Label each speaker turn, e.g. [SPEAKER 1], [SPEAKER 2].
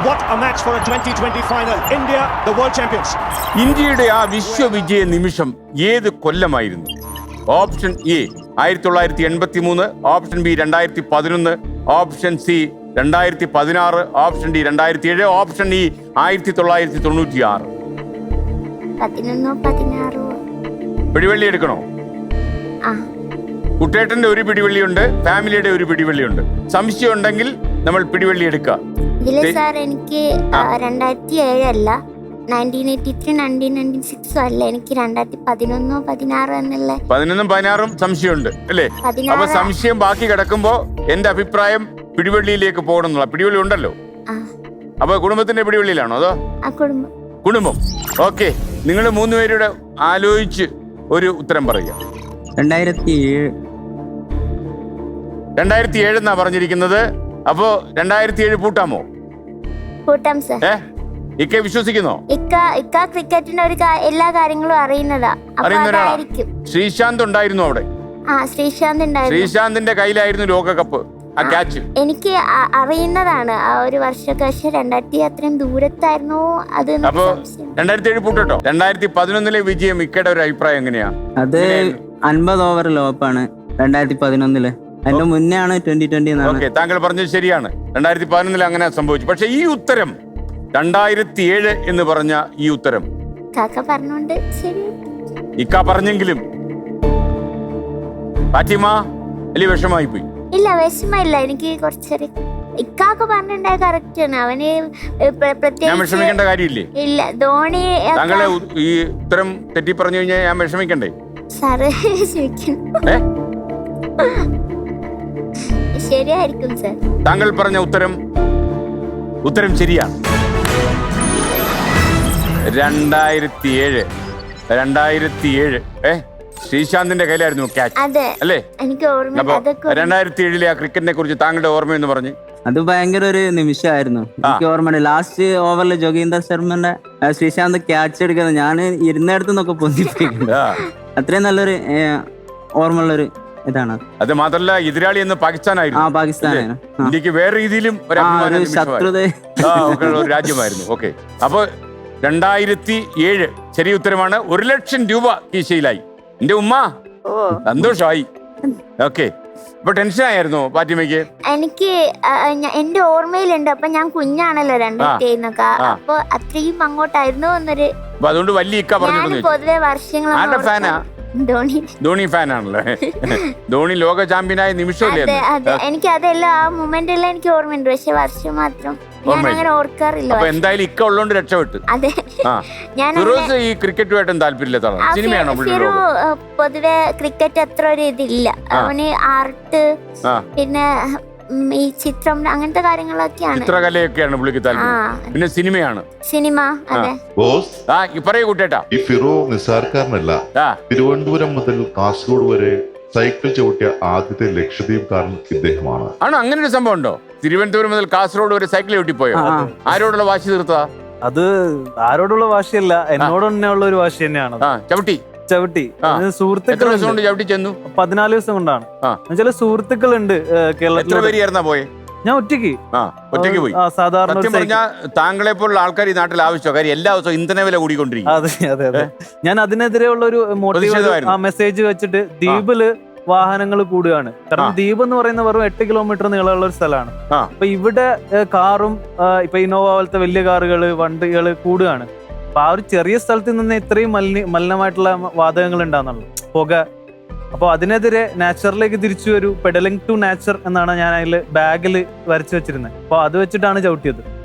[SPEAKER 1] What a match for a 2020 final. India, the world champions.
[SPEAKER 2] ഇന്ത്യയുടെ ആ വിശ്വവിജയ നിമിഷം ഏത് കൊല്ലമായിരുന്നു? Option A 1983, option B 2011, option C 2016, option D 2007, option E 1996.
[SPEAKER 3] 11-16.
[SPEAKER 2] പിടിവള്ളി എടുക്കണോ? കുട്ടേട്ടന്റെ ഒരു പിടിവള്ളിയുണ്ട്, ഫാമിലിയുടെ ഒരു പിടിവള്ളിയുണ്ട്. സംശയം ഉണ്ടെങ്കിൽ നമ്മൾ പിടിവള്ളി എടുക്കുക.
[SPEAKER 3] ഇതില് സാർ എനിക്ക് 2007 അല്ല, 1983, 1996 അല്ല, എനിക്ക് 2011-16 എന്നുള്ള
[SPEAKER 2] 11-16 സംശയമുണ്ട് അല്ലേ? അപ്പൊ സംശയം ബാക്കി കിടക്കുമ്പോ എന്റെ അഭിപ്രായം പിടിവള്ളിയിലേക്ക് പോകണം എന്നുള്ള. പിടിവള്ളി ഉണ്ടല്ലോ. അപ്പൊ കുടുംബത്തിന്റെ പിടിവള്ളിയിലാണോ അതോ കുടുംബം? ഓക്കെ, നിങ്ങൾ 3 പേരുടെ ആലോചിച്ച് ഒരു ഉത്തരം പറയുക. 2007 എന്നാ പറഞ്ഞിരിക്കുന്നത്. അപ്പോ 2007 പൂട്ടാമോ?
[SPEAKER 3] പൂട്ടാം സർ.
[SPEAKER 2] ഇക്ക വിശ്വസിക്കുന്നോ?
[SPEAKER 3] ഇക്ക ക്രിക്കറ്റിന്റെ എല്ലാ കാര്യങ്ങളും അറിയുന്നതാ.
[SPEAKER 2] ശ്രീശാന്ത് ഉണ്ടായിരുന്നു അവിടെ.
[SPEAKER 3] ശ്രീശാന്ത് ഉണ്ടായിരുന്നു.
[SPEAKER 2] ശ്രീശാന്തിന്റെ കയ്യിലായിരുന്നു ലോകകപ്പ്, ആ ക്യാച്ച്.
[SPEAKER 3] എനിക്ക് അറിയുന്നതാണ് ആ ഒരു വർഷമൊക്കെ. പക്ഷെ 2000 അത്രയും ദൂരത്തായിരുന്നു അത്.
[SPEAKER 2] അപ്പൊ 2007 പൂട്ടോ. 2011 വിജയം ഇക്കയുടെ ഒരു അഭിപ്രായം എങ്ങനെയാ?
[SPEAKER 4] അത് 50 ഓവർ ലോപ്പാണ് 2011. അതിന്റെ മുന്നേ ആണ് 2020.
[SPEAKER 2] ഓക്കെ, താങ്കൾ പറഞ്ഞത് ശരിയാണ്. 2011 അങ്ങനെ സംഭവിച്ചു. പക്ഷെ ഈ ഉത്തരം 2007 എന്ന് പറഞ്ഞ ഈ ഉത്തരം
[SPEAKER 3] പറഞ്ഞോണ്ട് ശരി
[SPEAKER 2] ഇക്ക പറഞ്ഞെങ്കിലും ഫാത്തിമ വലിയ വിഷമായി പോയി.
[SPEAKER 3] ഇല്ല, വിഷമമില്ല. എനിക്ക് കുറച്ചൊരു ഇക്കാക്ക് പറഞ്ഞിട്ടുണ്ടായ കറക്റ്റ് ആണ്. അവന്
[SPEAKER 2] ഞാൻ വിഷമിക്കേണ്ട കാര്യമില്ലേ?
[SPEAKER 3] ഇല്ല, ധോണി
[SPEAKER 2] താങ്കളെ ഈ ഉത്തരം തെറ്റി പറഞ്ഞു കഴിഞ്ഞാൽ ഞാൻ വിഷമിക്കണ്ടേ?
[SPEAKER 3] സാറ് ശരിയായിരിക്കും സാർ.
[SPEAKER 2] താങ്കൾ പറഞ്ഞ ഉത്തരം ശരിയാണ്. 2007 ശ്രീശാന്തിന്റെ കയ്യിലായിരുന്നു ക്യാച്ച് അല്ലേ?
[SPEAKER 3] എനിക്ക് ഓർമ്മ.
[SPEAKER 2] 2007 ആ ക്രിക്കറ്റിനെ കുറിച്ച് താങ്കളുടെ ഓർമ്മയെന്ന് പറഞ്ഞു.
[SPEAKER 4] അത് ഭയങ്കര ഒരു നിമിഷമായിരുന്നു. എനിക്ക് ഓർമ്മയുണ്ട്, ലാസ്റ്റ് ഓവറിൽ ജോഗീന്ദർ ശർമ്മന്റെ ശ്രീശാന്ത് ക്യാച്ച് എടുക്കുന്നത് ഞാൻ ഇരുന്നിടത്തു നിന്നൊക്കെ പൊന്തിപ്പിക്കുന്നത്. അത്രയും നല്ലൊരു ഓർമ്മയുള്ളൊരു ഇതാണ്.
[SPEAKER 2] അത് മാത്രല്ല, എതിരാളി എന്ന് പാകിസ്ഥാനായിരുന്നു.
[SPEAKER 4] പാകിസ്ഥാനായിരുന്നു.
[SPEAKER 2] ഇന്ത്യക്ക് വേറെ രീതിയിലും
[SPEAKER 4] ശത്രുത
[SPEAKER 2] ഒരു രാജ്യമായിരുന്നു. ഓക്കെ, അപ്പൊ 2007 ശരി ഉത്തരമാണ്. 1 ലക്ഷം രൂപ കീശയിലായി. എന്റെ ഉമ്മ സന്തോഷമായി. ഓക്കെ, അപ്പൊ ടെൻഷൻ ആയിരുന്നു ഫാത്തിമയ്ക്ക്?
[SPEAKER 3] എനിക്ക് എന്റെ ഓർമ്മയിലുണ്ട്. അപ്പൊ ഞാൻ കുഞ്ഞാണല്ലോ 2007. അപ്പൊ അത്രയും അങ്ങോട്ടായിരുന്നു എന്നൊരു.
[SPEAKER 2] അതുകൊണ്ട് വലിയ ഇക്ക പറഞ്ഞു.
[SPEAKER 3] പൊതുവെ വർഷങ്ങൾ
[SPEAKER 2] ഫാനാ? ധോണി ഫാനാണല്ലോ. ധോണി ലോക ചാമ്പ്യനായ നിമിഷമല്ലേ?
[SPEAKER 3] എനിക്ക് അതെല്ലാം ആ മൊമെന്റെല്ലാം എനിക്ക് ഓർമ്മയുണ്ട്. പക്ഷെ വർഷം മാത്രം ഞാൻ അങ്ങനെ ഓർക്കാറില്ല.
[SPEAKER 2] അപ്പൊ എന്തായാലും ഇക്ക ഉള്ളോണ്ട് രക്ഷപ്പെട്ടു.
[SPEAKER 3] അതെ, ഞാൻ
[SPEAKER 2] ഈ ക്രിക്കറ്റുമായിട്ടും താല്പര്യമില്ലാത്ത സിനിമയാണോ?
[SPEAKER 3] പൊതുവെ ക്രിക്കറ്റ് അത്ര ഒരു ഇതില്ല. അവന് ആർട്ട്, പിന്നെ ഈ ചിത്രം, അങ്ങനത്തെ കാര്യങ്ങളൊക്കെയാണ്.
[SPEAKER 2] ചിത്രകലയൊക്കെയാണ് പുള്ളിക്ക് താല്പര്യം. പിന്നെ സിനിമ. അതെ. പറയൂ കുട്ടേട്ടാ.
[SPEAKER 5] ഈ ഫിറോ നിസ്സാരക്കാരനല്ല. തിരുവനന്തപുരം മുതൽ കാസർഗോഡ് വരെ സൈക്കിൾ ചവിട്ടിയ ആദ്യത്തെ ലക്ഷദ്വീപ്കാരൻ ഇദ്ദേഹമാണ്.
[SPEAKER 2] ആണോ? അങ്ങനെ ഒരു സംഭവം ഉണ്ടോ? തിരുവനന്തപുരം മുതൽ കാസർഗോഡ് വരെ സൈക്കിൾ ചവിട്ടിപ്പോയോ? ആരോടുള്ള വാശി തീർത്താ?
[SPEAKER 6] അത് ആരോടുള്ള വാശിയല്ല, എന്നോട് തന്നെ ഉള്ള ഒരു വാശി തന്നെയാണ്. ചവിട്ടി സുഹൃത്തുക്കൾ 14 ദിവസം കൊണ്ടാണ്. ചില സുഹൃത്തുക്കളുണ്ട് കേരളത്തിൽ. ഞാൻ ഒറ്റയ്ക്ക്
[SPEAKER 2] പോയി.
[SPEAKER 6] സാധാരണ
[SPEAKER 2] താങ്കളെ പോലുള്ള ആൾക്കാർ ഈ നാട്ടിൽ ആവശ്യം. കാര്യം എല്ലാ ദിവസവും ഇന്ധന വില കൂടിക്കൊണ്ടിരിക്കും.
[SPEAKER 6] അതെ. ഞാൻ അതിനെതിരെയുള്ള ഒരു മോട്ടീവ് മെസ്സേജ് വെച്ചിട്ട് ദ്വീപില് വാഹനങ്ങൾ കൂടുകയാണ്. കാരണം ദ്വീപ് എന്ന് പറയുന്ന വെറും 8 കിലോമീറ്റർ നീളമുള്ള ഒരു സ്ഥലമാണ്. അപ്പൊ ഇവിടെ കാറും ഇപ്പൊ ഇന്നോവ പോലത്തെ വലിയ കാറുകള്, വണ്ടികള് കൂടുകയാണ്. അപ്പൊ ആ ഒരു ചെറിയ സ്ഥലത്ത് നിന്ന് ഇത്രയും മലിനമായിട്ടുള്ള വാതകങ്ങൾ ഉണ്ടാകുന്നുള്ളൂ, പുക. അപ്പൊ അതിനെതിരെ നാച്ചുറലിലേക്ക് തിരിച്ചു വരൂ, പെഡലിംഗ് ടു നാച്ചർ എന്നാണ് ഞാൻ അതിൽ ബാഗിൽ വരച്ചു വെച്ചിരുന്നത്. അപ്പൊ അത് വെച്ചിട്ടാണ് ചവിട്ടിയത്.